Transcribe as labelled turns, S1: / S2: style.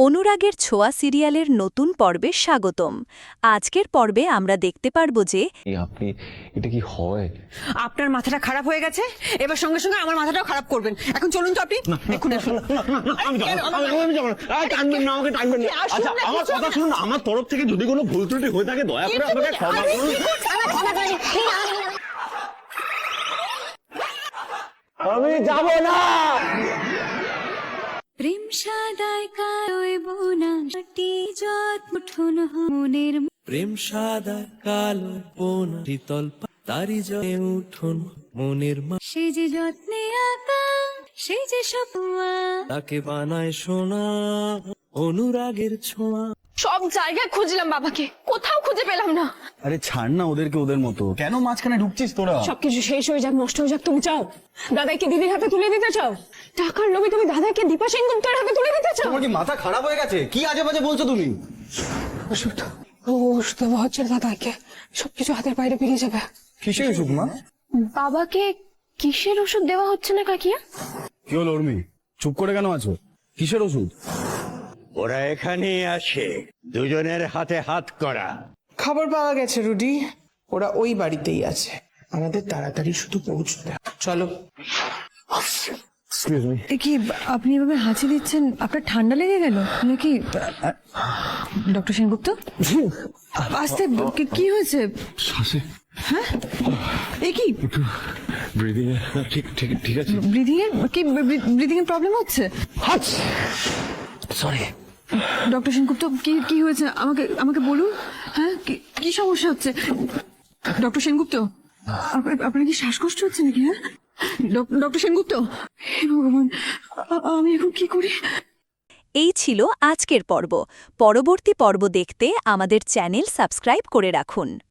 S1: অনুরাগের ছোঁয়া সিরিয়ালের নতুন পর্বে স্বাগতম। আজকের পর্বে আমরা দেখতে পারব যে
S2: আপনি এটা কি হয়?
S3: আপনার মাথাটা খারাপ হয়ে গেছে, এবার সঙ্গে সঙ্গে আমার মাথাটাও খারাপ করবেন। এখন চলুন তো আপনি, এখন আসুন।
S2: আমি যাবো না। টানবেন না, আমাকে টানবেন না। আচ্ছা, আমার কথা শুনুন, আমার তরফ থেকে যদি কোনো ভুল ত্রুটি হয়ে থাকে দয়া করে আমাকে ক্ষমা করুন। আমি যাব না।
S4: প্রেম সাদায় কালোয় বোনা মাটি যত মুঠোন মনের
S5: প্রেম সাদা কালো বোনা শীতল তারি জয়ে উঠুন মনের
S4: সে যে যত্নে আঁকা সে যে সপুয়া
S5: তাকে বানায় সোনা অনুরাগের ছোঁয়া।
S6: সব জায়গায় খুঁজলাম বাবাকে, কোথাও খুঁজে পেলাম না।
S7: আরে ছাড় না ওদেরকে ওদের মতো, কেন মাঝখানে ঢুকছিস তোরা?
S6: সবকিছু শেষ হয়ে যাক, নষ্ট হয়ে যাক, তুমি চাও দাদাকে দিদির হাতে তুলে দিতে চাও? টাকার লোভে তুমি দাদাকে দীপা সেনগুপ্তের হাতে তুলে দিতে চাও?
S7: তোমার কি মাথা খারাপ হয়ে গেছে? কি আজে বাজে বলছো তুমি?
S6: ওষুধ দেওয়া হচ্ছে দাদাকে, সবকিছু হাতের বাইরে বেরিয়ে যাবে।
S7: কিসের ওষুধ মা?
S6: বাবাকে কিসের ওষুধ দেওয়া হচ্ছে না কাকিয়া?
S7: কি হলো উর্মি, চুপ করে কেন আছো? কিসের ওষুধ?
S8: ওরা এখানেই আসে, দুজনের হাতে হাত করা।
S9: খবর পাওয়া গেছে রুডি, ওরা ওই বাড়িতেই আছে। আমাদের তাড়াতাড়ি শুধু পৌঁছতে হবে। চলো।
S3: কি আপনি এভাবে হাঁচি দিচ্ছেন? আপনার ঠান্ডা লেগে গেল নাকি? ডক্টর সেনগুপ্ত, আস্তে, কি হয়েছে? হ্যাঁ, এ কি
S2: ব্রিদিং ঠিক ঠিক ঠিক আছে।
S3: ব্রিদিং এর কি ব্রিদিং এর প্রবলেম হচ্ছে?
S2: সরি।
S3: ডক্টর সেনগুপ্ত, কি কি হয়েছে আমাকে আমাকে বলুন। হ্যাঁ, কি সমস্যা হচ্ছে ডক্টর সেনগুপ্ত? আপনার কি শ্বাসকষ্ট হচ্ছে নাকি? হ্যাঁ ডক্টর সেনগুপ্ত, হে ভগবান, আমি এখন কি করি?
S1: এই ছিল আজকের পর্ব। পরবর্তী পর্ব দেখতে আমাদের চ্যানেল সাবস্ক্রাইব করে রাখুন।